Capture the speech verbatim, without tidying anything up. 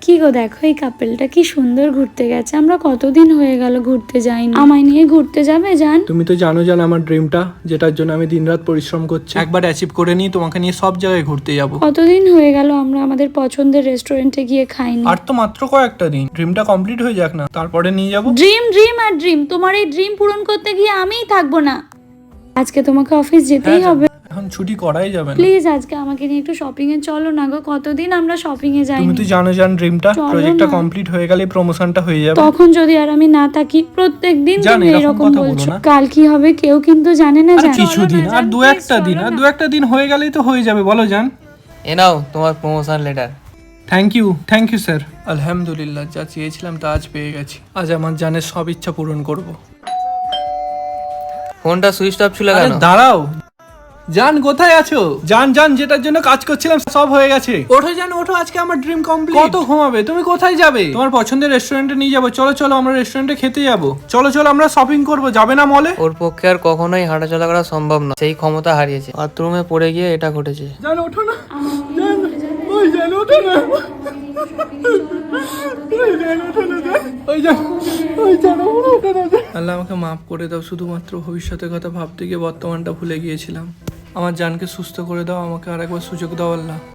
কি গো দেখো এই কাপেলটা কি সুন্দর ঘুরতে গেছে। আমরা কতদিন হয়ে গেল ঘুরতে যাইনি। আমায় নিয়ে ঘুরতে যাবে জান? তুমি তো জানো জান আমার ড্রিমটা, যেটার জন্য আমি দিনরাত পরিশ্রম করছি, একবার অ্যাচিভ করে নিই তোমাকে নিয়ে সব জায়গায় ঘুরতে যাব। কতদিন হয়ে গেল আমরা আমাদের পছন্দের রেস্টুরেন্টে গিয়ে খাইনি। আর তো মাত্র কয়েকটা দিন, ড্রিমটা কমপ্লিট হয়ে যাক না, তারপরে নিয়ে যাব। ড্রিম ড্রিম আর ড্রিম, তোমার এই ড্রিম পূরণ করতে গিয়ে আমিই থাকবো না। আজকে তোমাকে অফিস যেতেই হবে। এখন ছুটি করাই যাবে না। প্লিজ আজকে আমাকে নিয়ে একটু শপিং এ চলো না গো, কতদিন আমরা শপিং এ তুমি যাইনি। তো জানো জান ড্রিমটা, চলো প্রজেক্টটা না। কমপ্লিট হয়ে গেলে প্রমোশনটা হয়ে যাবে। তখন যদি আর আমি না থাকি, প্রত্যেকদিন জান, তুমি এরকম এরকম কথা বলো বলছো। না। কাল কি হবে কেউ কিন্তু জানে না আর জান। কিছুদিন, আর দু একটা দিন, আর দু একটা দিন হয়ে গেলেই তো হয়ে যাবে, বলো জান। এ নাও তোমার promotion letter. Thank you thank you sir. আলহামদুলিল্লাহ, যা চেয়েছিলাম তা আজ পেয়ে গেছি। আজ আমার জানের সব ইচ্ছা পূরণ করব। ফোনটা সুইচ অফ ছিল আরে কেন? দাঁড়াও জান, কোথায় আছো? জান জান, যেটার জন্য কাজ করছিলাম সব হয়ে গেছে। ওঠো জান ওঠো, আজকে আমার ড্রিম কমপ্লিট। কত ঘুমাবে? তুমি কোথায় যাবে? তোমার পছন্দের রেস্টুরেন্টে নিয়ে যাবো। চলো চলো, আমরা রেস্টুরেন্টে খেতে যাবো। চলো চলো, আমরা শপিং করব। যাবে না মলে? ওর পক্ষে আর কখনোই হাঁটাচলা করা সম্ভব না, সেই ক্ষমতা হারিয়েছে। বাথরুমে পড়ে গিয়ে এটা ঘটেছে। জান ওঠো না, জান ওই জান ওঠো না, ওই জান ওঠো না, জান ওই জান ওই জান ওঠো না। আল্লাহ আমাকে মাফ করে দাও, শুধুমাত্র ভবিষ্যতের কথা ভাবতে গিয়ে বর্তমানটা ভুলে গিয়েছিলাম। আমার জানকে সুস্থ করে দাও, আমাকে আরেকবার সুযোগ দাও আল্লাহ।